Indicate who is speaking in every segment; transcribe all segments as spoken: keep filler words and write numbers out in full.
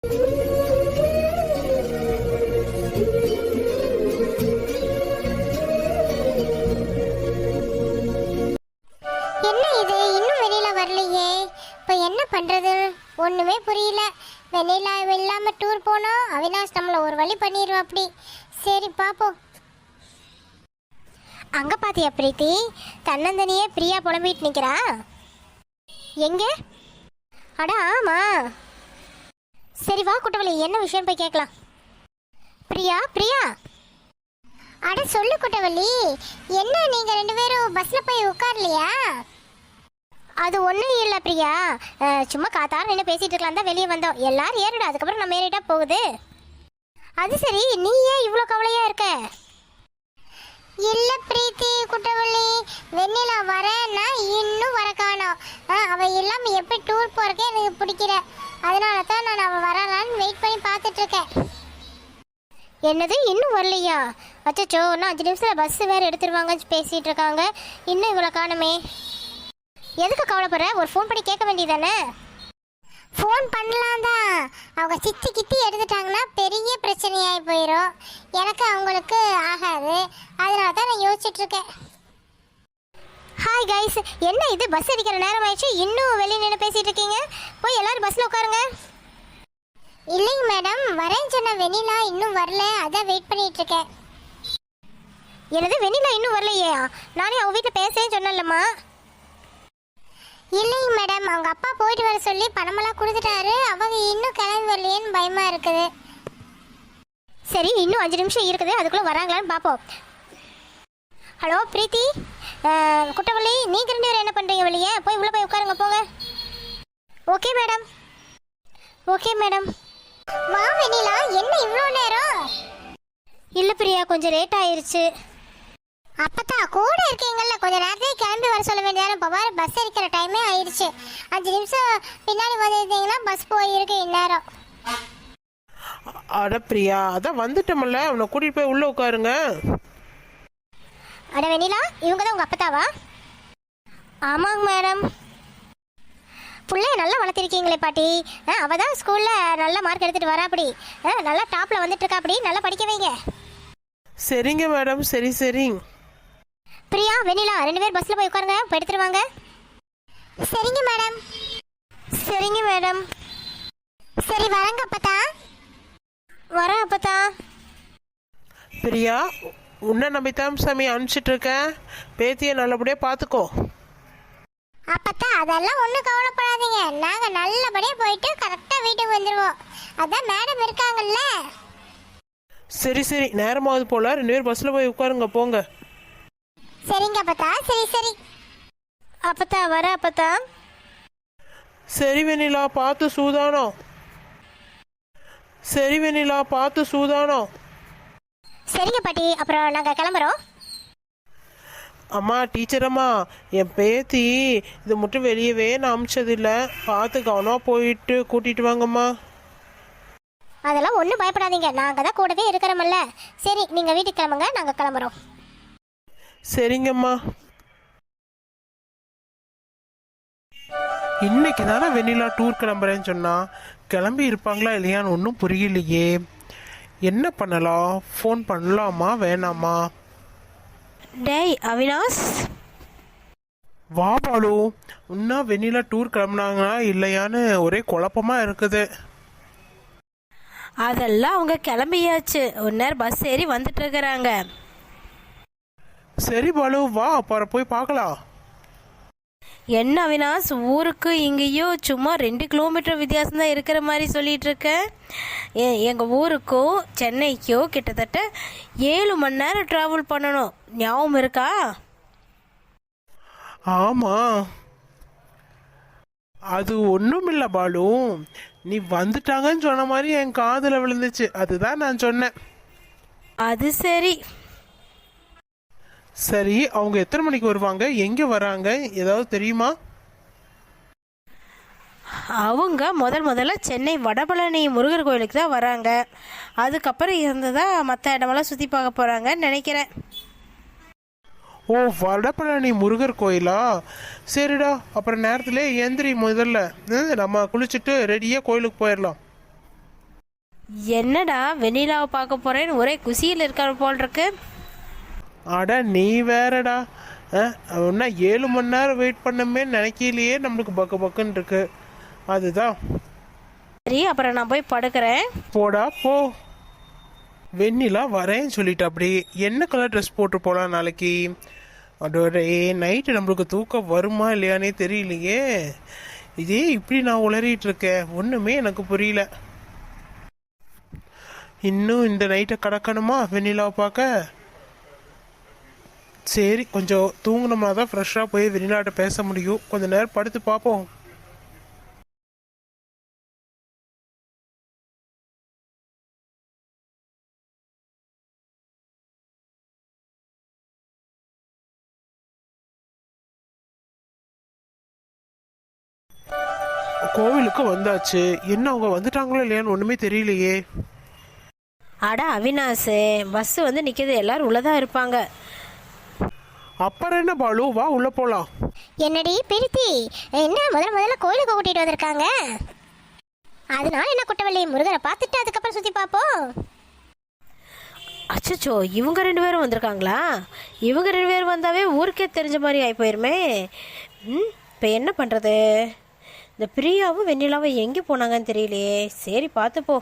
Speaker 1: என்ன இது இன்னும் வெளியில வரலையே? இப்போ என்ன பண்றது ஒண்ணுமே புரியல. வெளியில இல்லாம டூர் போனோம், அவினாஷ் நம்மள ஒரு வழி பண்ணிடுவோம். அப்படி சரி பாப்போம். அங்க பாத்தியா பிரீத்தி, தன்னந்தனியே பிரியா புலம்பிட்டு நிக்கிறா. எங்க? அட ஆமா. சரி வா குட்டவள்ளி, என்ன விஷயம் போய் கேட்கலாம். பிரியா பிரியா அட சொல்லு குட்டவள்ளி, என்ன நீங்க ரெண்டு பேரும் பஸ்ல போய் உட்காரலையா? அது ஒன்றும் இல்லை பிரியா, சும்மா காத்தார நின்று பேசிட்டு இருக்கலாம் தான் வெளியே வந்தோம். எல்லாரும் ஏறிடும், அதுக்கப்புறம் நம்ம ஏறிட்டா போகுது. அது சரி, நீ ஏன் இவ்வளோ கவலையா இருக்க? இல்லை பிரீத்தி குட்டவள்ளி, வெண்ணிலா வரேன்னா இன்னும் வர காணோம். அவள் இல்லாமல் எப்படி டூர் போறக்கே எனக்கு பிடிக்கல. அதனால தான் நான் அவள் வரலான்னு வெயிட் பண்ணி பார்த்துட்டு இருக்கேன். என்னது இன்னும் வரலையா? அச்சோ, இன்னும் அஞ்சு நிமிஷத்தில் பஸ் வேறு எடுத்துருவாங்கன்னு பேசிகிட்டு இருக்காங்க. இன்னும் இவ்வளோ காணுமே. எதுக்கு கவலைப்படுற? ஒரு ஃபோன் பண்ணி கேட்க வேண்டியதானே? ஃபோன் பண்ணலாம் தான், அவங்க சித்தி கித்தி எடுத்துட்டாங்கன்னா பெரிய பிரச்சனையாகி போயிடும். எனக்கு அவங்களுக்கு ஆகாது. அதனால தான் நான் யோசிச்சுட்டு இருக்கேன். ஹாய் கைஸ், என்ன இது பஸ் அடிக்கிற நேரம் ஆயிடுச்சு, இன்னும் வெளியே நின்று பேசிகிட்டு இருக்கீங்க? போய் எல்லாரும் பஸ்ஸில் உட்காருங்க. இல்லைங்க மேடம், வரேன்னு சொன்ன வெண்ணிலா இன்னும் வரல, அதான் வெயிட் பண்ணிட்டு இருக்கேன். எனது வெண்ணிலா இன்னும் வரலையா? நானே அவங்க வீட்டில் பேசுறேன்னு சொன்னேன்லம்மா. இல்லைங்க மேடம், அவங்க அப்பா போயிட்டு வர சொல்லி பணமெல்லாம் கொடுத்துட்டாரு. அவங்க இன்னும் கிளம்பி வரலையேன்னு பயமா இருக்குது. சரி, இன்னும் அஞ்சு நிமிஷம் இருக்குது, அதுக்குள்ளே வராங்களான்னு பார்ப்போம். ஹலோ பிரீத்தி, குட்டவள்ளி, நீங்கள் ரெண்டு பேரும் என்ன பண்ணுறீங்க? வெளியே போய் உள்ளே போய் உட்காருங்க, போங்க. Okay madam. Okay madam. வா வெண்ணிலா, என்ன இவ்வளோ நேரம்? இல்லை பிரியா, கொஞ்சம் லேட் ஆயிருச்சு. அப்பத்தா கூட இருக்கீங்கல்ல, கொஞ்சம் நேரத்தையே கிளம்பி வர சொல்ல வேண்டியதான? இப்போ பாரு, பஸ் இருக்கிற டைமே ஆயிடுச்சு. அஞ்சு நிமிஷம் பின்னாடி வந்துருந்தீங்கன்னா பஸ் போயிருக்கு இந்நேரம்.
Speaker 2: அட பிரியா, அதான் வந்துட்டோம்ல, அவனை கூட்டிகிட்டு போய் உள்ளே உட்காருங்க.
Speaker 1: அட வெண்ணிலா, இவங்க தான் உங்கள் அப்பத்தாவா? ஆமாங்க மேடம். பிள்ளைய நல்லா வளர்த்திருக்கீங்களே பாட்டி. அவள் தான் ஸ்கூலில் நல்ல மார்க் எடுத்துகிட்டு வரா. அப்படி நல்லா டாப்பில் வந்துட்டு இருக்கா. அப்படி நல்லா படிக்க வைங்க.
Speaker 2: சரிங்க மேடம், சரி சரி.
Speaker 1: பிரியா வெண்ணிலா ரெண்டு பேர் பஸ்ஸில் போய் உட்காருங்க, இப்போ எடுத்துருவாங்க. சரிங்க மேடம். சரிங்க மேடம். சரி வரங்க அப்பத்தா. வர அப்பத்தா.
Speaker 2: பிரியா, உன்னை நம்பித்தான் சாமி அனுப்பிச்சிட்டு இருக்கேன். பேத்தியை நல்லபடியாக பார்த்துக்கோ.
Speaker 1: அப்பத்தா அதெல்லாம் ஒன்றும் கவலைப்படாதீங்க, நாங்கள் நல்லபடியாக போயிட்டு கரெக்டாக வீட்டுக்கு வந்துடுவோம். அதான் மேடம் இருக்காங்கல்ல.
Speaker 2: சரி சரி, நேரமாவது போல, ரெண்டு பேரும் பஸ்ஸில் போய் உட்காருங்க, போங்க.
Speaker 1: சரிங்க அப்பத்தா. சரி சரி அப்பத்தா. வர அப்பத்தா.
Speaker 2: சரி வெண்ணிலா, பார்த்து சூதானம். சரி வெண்ணிலா, பார்த்து சூதானம்.
Speaker 1: சரிங்க பாட்டி, அப்புறம் நாங்கள் கிளம்புறோம்.
Speaker 2: அம்மா, டீச்சரம்மா, என் பேத்தி இது மட்டும் வெளியவே நான் அமிச்சதில்லை. பார்த்து கவனமாக போயிட்டு கூட்டிகிட்டு வாங்கம்மா.
Speaker 1: அதெல்லாம் ஒன்றும் பயப்படாதீங்க, நாங்கள் தான் கூடவே இருக்கிறோம்ல. சரி, நீங்கள் வீட்டுக்கு கிளம்புங்க, நாங்கள் கிளம்புறோம்.
Speaker 2: சரிங்கம்மா. இன்னைக்கு தானே வெண்ணிலா டூர் கிளம்புறேன்னு சொன்னா, கிளம்பி இருப்பாங்களா இல்லையான்னு ஒன்றும் புரியலையே. என்ன பண்ணலாம்? ஃபோன் பண்ணலாமா வேணாமா?
Speaker 3: டேய் அவினாஷ்,
Speaker 2: வா பாலு. இன்னும் வெண்ணிலா டூர் கிளம்புனாங்களா இல்லையான்னு ஒரே குழப்பமா இருக்குது.
Speaker 3: அதெல்லாம் அவங்க கிளம்பியாச்சு, ஒரு நேரம் பஸ் ஏறி வந்துட்டு இருக்கிறாங்க.
Speaker 2: சரி பாலு, வா அப்புறம் போய் பார்க்கலாம்.
Speaker 3: என்ன அவினாஷ், ஊருக்கு இங்கேயும் சும்மா ரெண்டு கிலோமீட்டர் வித்தியாசம் தான் இருக்கிற மாதிரி சொல்லிட்டு இருக்க. எங்கள் ஊருக்கும் சென்னைக்கும் கிட்டத்தட்ட ஏழு மணி நேரம் ட்ராவல் பண்ணணும், ஞாபகம் இருக்கா?
Speaker 2: ஆமா, அது ஒன்றும் இல்லை பாலு, நீ வந்துட்டாங்கன்னு சொன்ன மாதிரி என் காதில் விழுந்துச்சு, அதுதான் நான் சொன்னேன்.
Speaker 3: அது சரி.
Speaker 2: சரி, அவங்க எத்தனை மணிக்கு வருவாங்க, எங்கே வராங்க, ஏதாவது தெரியுமா?
Speaker 3: அவங்க முதல் முதல்ல சென்னை வடபழனி முருகர் கோயிலுக்கு தான் வராங்க. அதுக்கப்புறம் இருந்ததான் மற்ற இடமெல்லாம் சுற்றி பார்க்க போகிறாங்கன்னு நினைக்கிறேன்.
Speaker 2: ஓ, வடபழனி முருகர் கோயிலா? சரிடா, அப்புறம் நேரத்தில் எந்திரி, முதல்ல நம்ம குளிச்சுட்டு ரெடியாக கோயிலுக்கு போயிடலாம்.
Speaker 3: என்னடா வெண்ணிலாவை பார்க்க போறேன்னு ஒரே குசியில் இருக்கிற போல் இருக்கு.
Speaker 2: அட நீ வேறடா. ஒன்னா ஏழு மணி நேரம் வெயிட் பண்ணமே நினைக்கலையே, நம்மளுக்கு பக்கு பக்குன்னு இருக்கு. அதுதான்.
Speaker 3: சரி, அப்புறம் நான் போய் படுக்கிறேன்.
Speaker 2: போடா போ. வெண்ணிலா வரேன்னு சொல்லிட்டு அப்படி என்ன கலர் ட்ரெஸ் போட்டு போகலாம் நாளைக்கு? அதோட நைட்டு நம்மளுக்கு தூக்கம் வருமா இல்லையானே தெரியலையே. இதே இப்படி நான் உளறிட்டு இருக்கேன், ஒன்றுமே எனக்கு புரியல. இன்னும் இந்த நைட்டை கடக்கணுமா வெண்ணிலாவை பார்க்க? சரி, கொஞ்சம் தூங்கினோம்னா தான் ஃப்ரெஷ்ஷாக போய் வெண்ணிலாட்ட பேச முடியும். கொஞ்ச நேரம் படுத்து பார்ப்போம். கோவிலுக்கு வந்தாச்சு. என்ன அவங்க வந்துட்டாங்களோ இல்லையான்னு ஒன்றுமே தெரியலையே.
Speaker 3: அட அவினாஷ், பஸ் வந்து நிற்கிது, எல்லாரும் உள்ளதான் இருப்பாங்க.
Speaker 2: அப்புறம் என்ன பாலு, வா உள்ள போலாம்.
Speaker 1: என்னடி பிரித்தி, என்ன முதல்ல முதல்ல கோயிலுக்கு கூட்டிட்டு வந்திருக்காங்க? அதனால என்ன குட்டவள்ளி, முருகரை பார்த்துட்டு அதுக்கப்புறம் சுத்தி பார்ப்போம்.
Speaker 3: அச்சச்சோ, இவங்க ரெண்டு பேரும் வந்திருக்காங்களா? இவங்க ரெண்டு பேரும் வந்தாவே ஊருக்கே தெரிஞ்ச மாதிரி ஆகி போயிருமே. ம் இப்போ என்ன பண்ணுறது? இந்த பிரியாவும் வெண்ணிலாவும் எங்கே போனாங்கன்னு தெரியலையே. சரி, பார்த்துப்போ.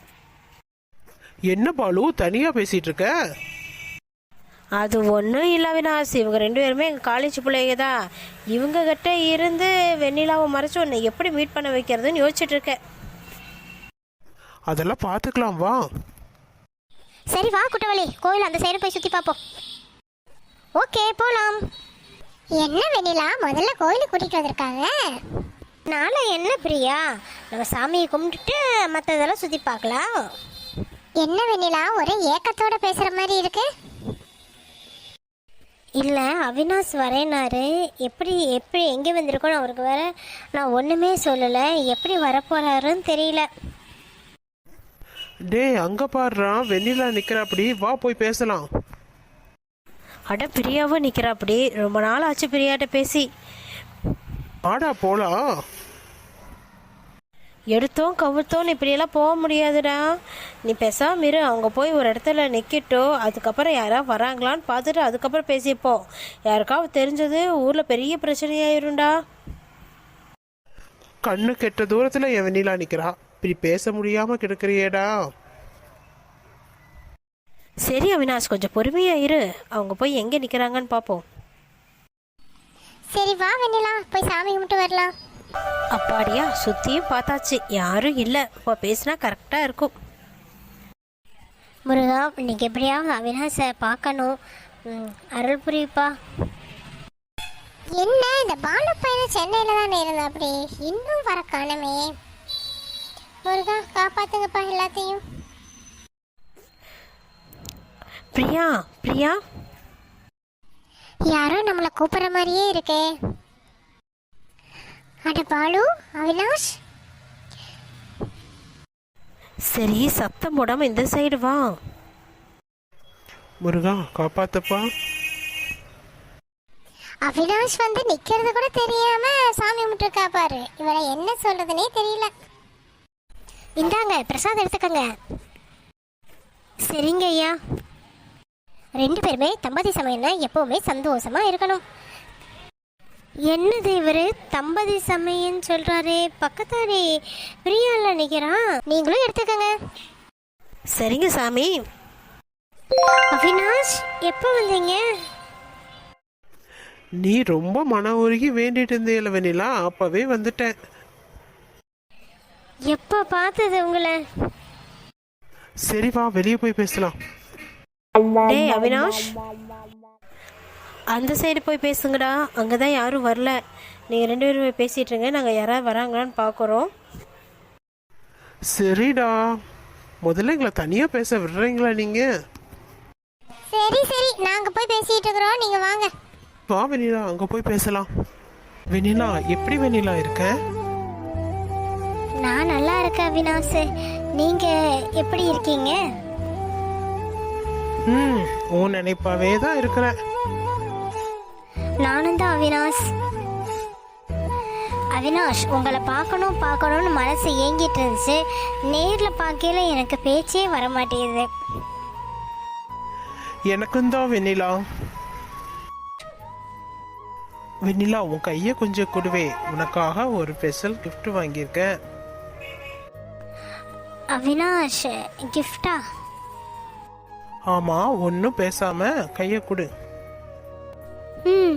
Speaker 2: என்ன பாலு தனியா பேசிட்டு இருக்க?
Speaker 3: அது ஒன்றும் இல்லை அவினாஷ், இவங்க ரெண்டு பேருமே எங்கள் காலேஜ் பிள்ளைங்க தான். இவங்க கிட்ட இருந்து வெண்ணிலாவை மறைச்சு ஒன்று எப்படி மீட் பண்ண வைக்கிறதுன்னு யோசிச்சுட்டு இருக்கேன்.
Speaker 2: அதெல்லாம் பார்த்துக்கலாம், வா.
Speaker 1: சரி வா குட்டவள்ளி, கோயில் அந்த சைடு போய் சுத்தி பார்ப்போம். ஓகே, போலாம். என்ன வெண்ணிலா, முதல்ல கோயிலுக்கு கூட்டிட்டு வந்திருக்காங்க? நாளை என்ன பிரியா, நம்ம சாமியை கும்பிட்டுட்டு மற்றதெல்லாம் சுத்தி பார்க்கலாம். என்ன வெண்ணிலா, ஒரே ஏக்கத்தோட பேசுற மாதிரி இருக்கு. இல்லை, அவினாஷ் வரேனாரு. எப்படி எப்படி எங்கே வந்திருக்கோன்னு அவருக்கு வேற நான் ஒன்றுமே சொல்லலை. எப்படி வரப்போறாருன்னு தெரியல.
Speaker 2: டே அங்க பாடுறான், வெண்ணிலா நிக்கிற. அப்படி வா போய் பேசலாம்.
Speaker 3: அட பிரியாவும் நிற்கிறா அப்படி. ரொம்ப நாள் ஆச்சு பிரியாட்ட பேசி.
Speaker 2: ஆடா போலாம்.
Speaker 3: எடுத்தோம் கவுத்தோன்னு இப்படியெல்லாம் போக முடியாதுடா. நீ பேசாம இரு, அவங்க போய் ஒரு இடத்துல நிற்கட்டோ, அதுக்கப்புறம் யாராவது வராங்களான்னு பார்த்துட்டு அதுக்கப்புறம் பேசிப்போம். யாருக்காவது தெரிஞ்சது ஊரில் பெரிய பிரச்சனையாயிரும்டா.
Speaker 2: கண்ணு கெட்ட தூரத்துல என் வெண்ணிலா நிக்கிறா, இப்படி பேச முடியாம கிடக்குறியேடா.
Speaker 3: சரி அவினாஷ், கொஞ்சம் பொறுமையா இரு, அவங்க போய் எங்கே நிற்கிறாங்கன்னு பார்ப்போம்.
Speaker 1: சரி வா வெண்ணிலா, போய் சாமி கும்பிட்டு வரலாம்.
Speaker 3: அப்பாடியா, சுற்றியும் பார்த்தாச்சு, யாரும் இல்லை. இப்போ பேசினா கரெக்டாக இருக்கும்.
Speaker 1: முருகா, இன்னைக்கு எப்படியாவது அவினாஷை பார்க்கணும். அருள் புரியுப்பா. என்ன இந்த பாலு பையன் சென்னையில் தானே இருந்தா, அப்படி இன்னும் வர காணமே. முருகா, காப்பாத்துங்கப்பா எல்லாத்தையும்.
Speaker 3: பிரியா பிரியா,
Speaker 1: யாரோ நம்மளை கூப்பிடுற மாதிரியே இருக்கே. அட பாலு, அவினாஷ்.
Speaker 3: சரி, சத்தம் போடாம இந்த சைடு வா.
Speaker 2: முருகா காப்பாத்தப்பா.
Speaker 1: அவினாஷ் வந்து நிக்கிறது கூட தெரியாம சாமி கும்பிட்டுருக்கா பாரு. இவளை என்ன சொல்றதுனே தெரியல. இந்தாங்க பிரசாதம் எடுத்துக்கங்க. சரிங்க ஐயா. ரெண்டு பேருமே தம்பதி சமயம்னா எப்பவுமே சந்தோஷமா இருக்கணும். என்னது இவரு தம்பதி சமயம்னு சொல்றாரு? பக்கத்தாரி பிரியால நிக்கிறான். நீங்களும் எடுத்துக்கங்க.
Speaker 3: சரிங்க சாமி.
Speaker 1: அவினாஷ், எப்போ வந்தீங்க?
Speaker 2: நீ ரொம்ப மன உருகி வேண்டிட்டு இருந்தேல வெண்ணிலா, அப்பவே வந்துட்டேன்.
Speaker 1: எப்போ பார்த்தது உங்களை?
Speaker 2: சரி வா, வெளியே போய் பேசலாம்.
Speaker 3: டேய் அவினாஷ், அந்த சைடு போய் பேசுங்கடா, அங்கே தான் யாரும் வரல. நீங்கள் ரெண்டு பேரும் போய் பேசிகிட்டு இருங்க, நாங்கள் யாராவது வராங்களான்னு பார்க்குறோம்.
Speaker 2: சரிடா, முதல்ல எங்களை தனியாக பேச விடுறீங்களா நீங்கள்?
Speaker 1: சரி சரி, நாங்கள் போய் பேசிகிட்டு இருக்கிறோம், நீங்கள் வாங்க.
Speaker 2: வா வெண்ணிலா, அங்கே போய் பேசலாம். வெண்ணிலா, எப்படி வெண்ணிலா இருக்க?
Speaker 1: நான் நல்லா இருக்கேன் அவினாஷ். நீங்கள் எப்படி இருக்கீங்க?
Speaker 2: ம் உன் நினைப்பாவே தான் இருக்கிறேன்.
Speaker 1: நானும் தான் அவினாஷ். அவினாஷ், உங்களை பார்க்கணும் பார்க்கணும்னு மனசு ஏங்கிட்டு இருந்துச்சு. நேரில் பார்க்கையில எனக்கு பேச்சே வர மாட்டேங்குது.
Speaker 2: எனக்கும் தான் வெண்ணிலா. வெண்ணிலா, உன் கையை கொஞ்சம் கொடுவே, உனக்காக ஒரு ஸ்பெஷல் gift வாங்கியிருக்கேன்.
Speaker 1: அவினாஷ், கிஃப்டா?
Speaker 2: ஆமா, ஒன்றும் பேசாம கையை கொடு.
Speaker 1: ம்.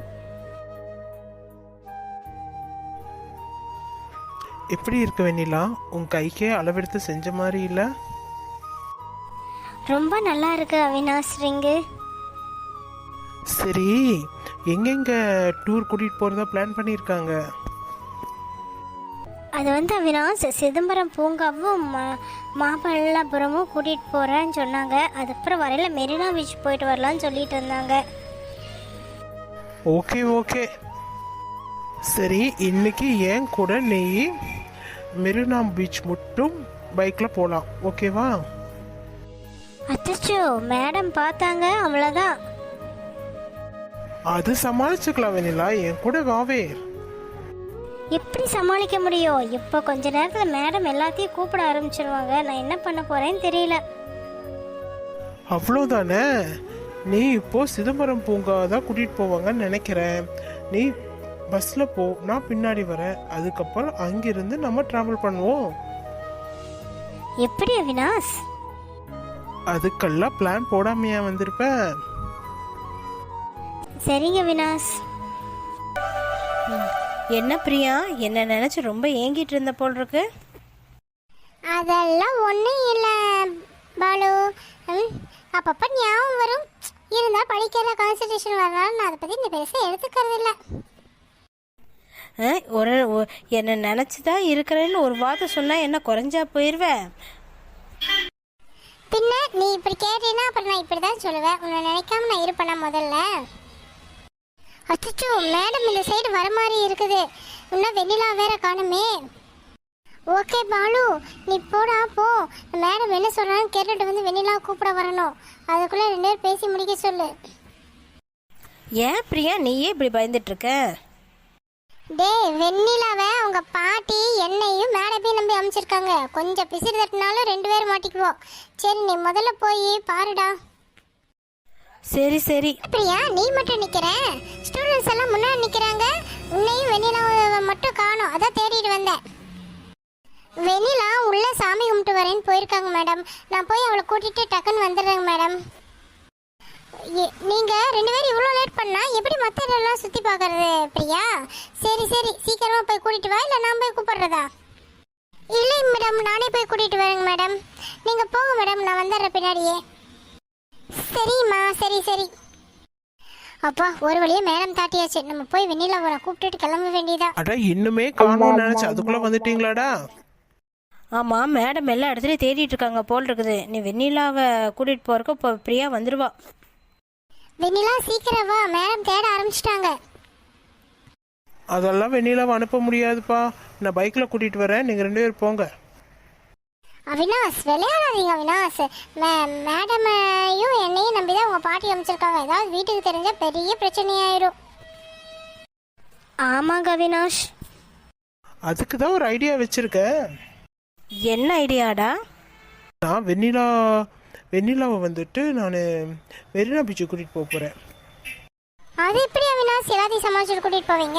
Speaker 2: எப்படி இருக்கு வெண்ணிலா? உன் கைக்கே அளவெடுத்து செஞ்ச மாதிரி இல்லை?
Speaker 1: ரொம்ப நல்லா இருக்கு அவினாஷ் ரிங்கு.
Speaker 2: சரி, எங்கெங்க டூர் கூட்டிட்டு போறதா பிளான் பண்ணியிருக்காங்க?
Speaker 1: அது வந்து அவினாஷ், சிதம்பரம் பூங்காவும் மா- மாமல்லபுரமும் கூட்டிகிட்டு போகிறேன்னு சொன்னாங்க. அதுக்கப்புறம் வரையில் மெரினா பீச் போயிட்டு வரலான்னு சொல்லிட்டு இருந்தாங்க.
Speaker 2: ஓகே ஓகே, சரி, இன்னைக்கு ஏன் கூட நீ மெரினா பீச் மட்டும் பைக்ல போலாம், ஓகேவா?
Speaker 1: அச்சோ, மேடம் பார்த்தாங்க, அவ்வளோதான்.
Speaker 2: அது சமாளிச்சுக்கலாம் வெண்ணிலா, என் கூட வாவே.
Speaker 1: எப்படி சமாளிக்க முடியும்? இப்போ கொஞ்ச நேரத்தில் மேடம் எல்லாத்தையும் கூப்பிட ஆரம்பிச்சிருவாங்க. நான் என்ன பண்ண போறேன்னு தெரியல.
Speaker 2: அவ்வளோதானே, நீ இப்போ சிதம்பரம் பூங்கா தான் கூட்டிட்டு போவாங்கன்னு நினைக்கிறேன். நீ பஸ்ல போ, நான் பின்னாடி வரேன். அதுக்கப்புறம் அங்கிருந்து நம்ம டிராவல் பண்ணுவோம்.
Speaker 1: எப்படி அவினாஷ்?
Speaker 2: அதுக்கெல்லாம் பிளான் போடாமையா வந்திருப்பேன்.
Speaker 1: சரிங்க அவினாஷ்.
Speaker 3: என்ன பிரியா, என்ன நினச்சி ரொம்ப ஏங்கிட்டு இருந்த போல் இருக்கு.
Speaker 1: அதெல்லாம் ஒன்றும் இல்லை பாலு. ம், அப்பப்போ ஞாபகம் வரும். இருந்தால் படிக்கிற கான்சன்ட்ரேஷன் வரனால நான் அதை பற்றி இந்த பெருசாக எடுத்துக்கிறது இல்லை.
Speaker 3: ஆ, ஒரு ஒ- என்ன நினச்சி தான் இருக்கிறேன்னு ஒரு வார்த்தை சொன்னால் என்ன குறைஞ்சா போயிடுவேன்?
Speaker 1: பின்ன நீ இப்படி கேட்டீங்கன்னா அப்புறம் நான் இப்படி தான் சொல்லுவேன். உன்னை நினைக்காம நான் இருப்பேனா முதல்ல? அச்சோ, மேடம் இந்த சைடு வர மாதிரி இருக்குது. இன்னும் வெண்ணிலா வேற காணுமே. ஓகே பாலு, நீ போடா போ. மேடம் என்ன சொல்றான்னு கேட்டுட்டு வந்து வெண்ணிலா கூப்பிட வரணும். அதுக்குள்ள ரெண்டு பேரும் பேசி முடிக்க சொல்லு.
Speaker 3: ஏன் பிரியா, நீயே இப்படி பயந்துட்டு இருக்க?
Speaker 1: டேய், வெண்ணிலாவை அவங்க பாட்டி என்னையும் மேடப்பையும் நம்பி அமைச்சிருக்காங்க. கொஞ்சம் பிசிறு தட்டினாலும் ரெண்டு பேரும் மாட்டிக்குவோம். சரி, நீ முதல்ல போய் பாருடா.
Speaker 3: சரி சரி.
Speaker 1: பிரியா, நீ மட்டும் நிக்கிற? ஸ்டூடெண்ட்ஸ் எல்லாம் முன்னாடி நிக்கிறாங்க. உன்னையும் வெண்ணிலாவை மட்டும் காணோம். அதான் தேடிட்டு வந்தேன். வெண்ணிலா உள்ள சாமி கும்பிட்டு வரேன்னு போயிருக்காங்க மேடம். நான் போய் அவளை கூட்டிட்டு டக்குன்னு வந்துடுறேங்க மேடம். எ- நீங்க ரெண்டு பேரும் இவ்வளோ லேட் பண்ணா எப்படி மற்ற இடம்லாம் சுத்தி பார்க்கறது பிரியா? சரி சரி, சீக்கிரமா போய் கூட்டிட்டு வா, இல்லை நான் போய் கூப்பிடுறதா? இல்லை மேடம், நானே போய் கூட்டிட்டு வரேங்க மேடம். நீங்க போங்க மேடம், நான் வந்துடுறேன் பின்னாடியே. சரிம்மா, சரி சரி. அப்பா, ஒரு வழியா மேடம் தாட்டியாச்சு. நம்ம போய் வெண்ணிலாவை கூப்பிட்டுட்டு கிளம்ப வேண்டியதா.
Speaker 2: அட, இன்னுமே காணோம்னு நினைச்சு அதுக்குள்ள வந்துட்டீங்களாடா?
Speaker 3: ஆமாம், மேடம் எல்லா இடத்துலையும் தேடிட்டு இருக்காங்க போல் இருக்குது. நீ வெண்ணிலாவை கூட்டிகிட்டு போகிறக்கு இப்போ பிரியா வந்துடுவா.
Speaker 1: வெண்ணிலா சீக்கிரம் வா, மேடம் தேட ஆரம்பிச்சிட்டாங்க.
Speaker 2: அதெல்லாம் வெண்ணிலாவை அனுப்ப முடியாதுப்பா. நான் பைக்ல கூட்டிட்டு வரேன், நீங்க ரெண்டு பேரும் போங்க.
Speaker 1: அவினாஷ், விளையாடாதீங்க அவினாஷ். மே மேடமையும் என்னையும் நம்பி தான் உங்க பாட்டி அமைச்சிருக்காங்க. ஏதாவது வீட்டுக்கு தெரிஞ்சா பெரிய பிரச்சனையாயிரும். ஆமாங்க அவினாஷ்.
Speaker 2: அதுக்கு தான் ஒரு ஐடியா வச்சிருக்கேன்.
Speaker 3: என்ன ஐடியாடா?
Speaker 2: நான் வெண்ணிலா வெண்ணிலாவை வந்துட்டு நான் மெரினா பீச்சு கூட்டிட்டு போக போறேன்.
Speaker 1: அது எப்படி அவினாஷ் எல்லாத்தையும் சமாளிச்சுட்டு கூட்டிட்டு போவீங்க?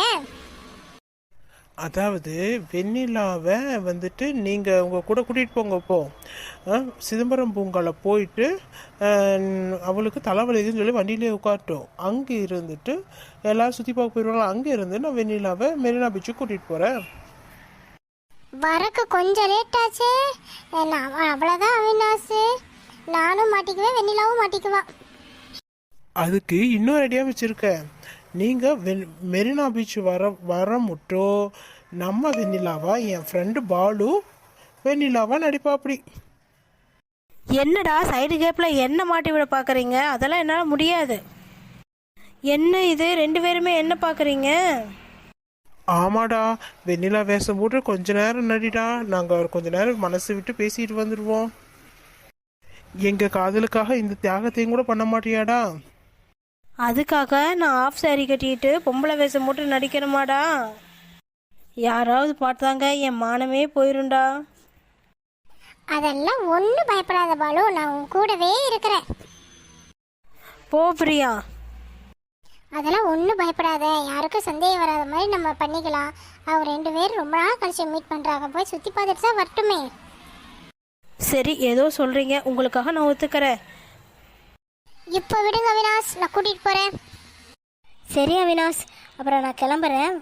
Speaker 2: அதாவது வெண்ணிலாவை வந்துட்டு நீங்கள் உங்கள் கூட கூட்டிகிட்டு போங்க. இப்போ ஆ, சிதம்பரம் பூங்கால போயிட்டு ஆ, அவளுக்கு தலைவலிக்குன்னு சொல்லி வண்டியிலே உட்காரட்டும். அங்கே இருந்துட்டு எல்லாரும் சுற்றி பார்க்க போயிடுவாங்க. அங்கே இருந்து நான் வெண்ணிலாவை மெரினா பீச்சுக்கு கூட்டிகிட்டு போகிறேன்.
Speaker 1: வரக்கு கொஞ்சம் லேட் ஆச்சு. நான் அவ்வளோதான் அவினாஷ். நானும் மாட்டிக்குவேன், வெண்ணிலாவும் மாட்டிக்குவா.
Speaker 2: அதுக்கு இன்னொரு ஐடியா வச்சுருக்கேன். நீங்கள் வெ மெரினா பீச் வர வர மட்டும் நம்ம வெண்ணிலாவா, என் ஃப்ரெண்டு பாலு வெண்ணிலாவா நடிப்பா. அப்படி
Speaker 3: என்னடா சைடு கேப்பில் என்ன மாட்டி விட பார்க்குறீங்க? அதெல்லாம் என்னால் முடியாது. என்ன இது, ரெண்டு பேருமே என்ன பார்க்குறீங்க?
Speaker 2: ஆமாடா, வெண்ணிலா வேஷம் போட்டு கொஞ்ச நேரம் நடிடா. நாங்கள் கொஞ்ச நேரம் மனசு விட்டு பேசிட்டு வந்துடுவோம். எங்கள் காதலுக்காக இந்த தியாகத்தையும் கூட பண்ண மாட்டியாடா?
Speaker 3: அதுக்காக நான் ஆஃப் சாரி கட்டிட்டு பொம்பளை வேஷம் போட்டு நடிக்கிறமாடா? யாராவது பார்த்தாங்க என் மானமே போயிருண்டா.
Speaker 1: அதெல்லாம் ஒன்றும் பயப்படாத பாலு, நான் உன் கூடவே இருக்கிறேன்.
Speaker 3: போ பிரியா.
Speaker 1: அதெல்லாம் ஒன்றும் பயப்படாத, யாருக்கும் சந்தேகம் வராத மாதிரி நம்ம பண்ணிக்கலாம். அவங்க ரெண்டு பேரும் ரொம்ப நாள் கழிச்சு மீட் பண்ணுறாங்க, போய் சுற்றி பார்த்துட்டு தான் வரட்டுமே.
Speaker 3: சரி, ஏதோ சொல்கிறீங்க, உங்களுக்காக நான் ஒத்துக்கிறேன்.
Speaker 1: இப்போ விடுங்க அவினாஷ், நான் கூட்டிகிட்டு போகிறேன். சரி அவினாஷ், அப்புறம் நான் கிளம்புறேன்.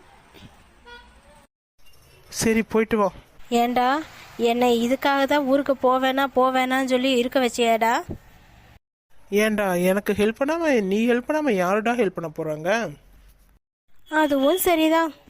Speaker 2: சரி போயிட்டு வா.
Speaker 3: ஏண்டா என்னை இதுக்காக தான் ஊருக்கு போவேனா போவேனான்னு சொல்லி இருக்க வச்சியாடா?
Speaker 2: ஏன்டா எனக்கு ஹெல்ப் பண்ணாம நீ ஹெல்ப் பண்ணாம யாருடா ஹெல்ப் பண்ண போறாங்க?
Speaker 3: அதுவும் சரிதான்.